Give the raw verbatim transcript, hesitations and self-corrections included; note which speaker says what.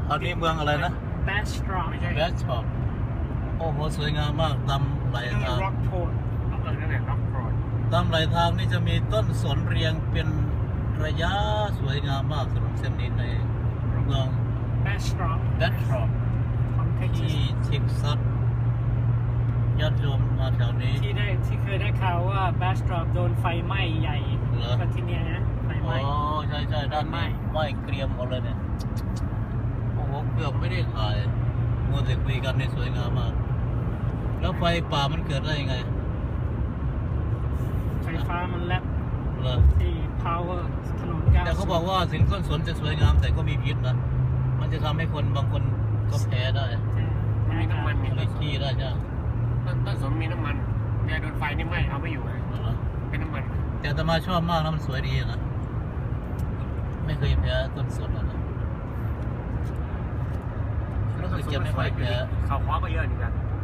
Speaker 1: อันนี้เมืองอะไรนะ
Speaker 2: แบสตรอม
Speaker 3: ไม่ใช่
Speaker 1: แบชช็อปโอ้โหสวยงามมากตามไหล
Speaker 3: ชื่อ
Speaker 1: ทาง
Speaker 3: ร็อกโทนร็อกเลยนั่นแหละร็อกโทน
Speaker 1: ตามไหลทางนี่จะมีต้นสนเรียงเป็นระยะสวยงามมากถนนเส้นนี้ในเมือง
Speaker 2: แบสตรอม
Speaker 1: แบชช็อป
Speaker 2: ของเท็กซั
Speaker 1: ที่
Speaker 2: ส
Speaker 1: เท็กซัสญาติโยมมาแถวนี้
Speaker 2: ที่ได้ที่เคยได้ข่าวว่าแบสตรอมโดนไฟไหม้ใหญ่
Speaker 1: เหรอ
Speaker 2: ก็ที่เนี้ยนะไฟไห
Speaker 1: อ๋
Speaker 2: ม้
Speaker 1: อใช่ใช่ด้านนี้ไหม้เกรียมหมดเลยเนี่ยโอ้โหเกือบไม่ได้ถ่ายมัวแต่คุยกันในสวยงามมาก แล้วไฟป่ามันเกิดได้ยังไง
Speaker 2: ไฟฟ้ามันแลบ
Speaker 1: เหรอ
Speaker 2: ที่ power ถนนก้าว
Speaker 1: แต่เขาบอกว่าสินต้นสนจะสวยงามแต่ก็มีพิษนะ มันจะทำให้คนบางคนก็แพ้ได้
Speaker 3: มันมีน้ำมันมี
Speaker 1: ไม่ขี้ได้ใช่ไหม
Speaker 3: ต้นต้นสนมีน้ำมันเนี่ยโดนไฟนี่ไหม้เอาไม่อยู่เลย
Speaker 1: เหรอ
Speaker 3: เป็นน้ำมัน
Speaker 1: แต่อาตมาชอบมากนะมันสวยดีนะ ไม่เคยแพ้ต้นสนนะรู้สึกจะไม่ค่อยแพ้
Speaker 3: เขาคว้าก็เยอะเหมือนกัน
Speaker 1: อ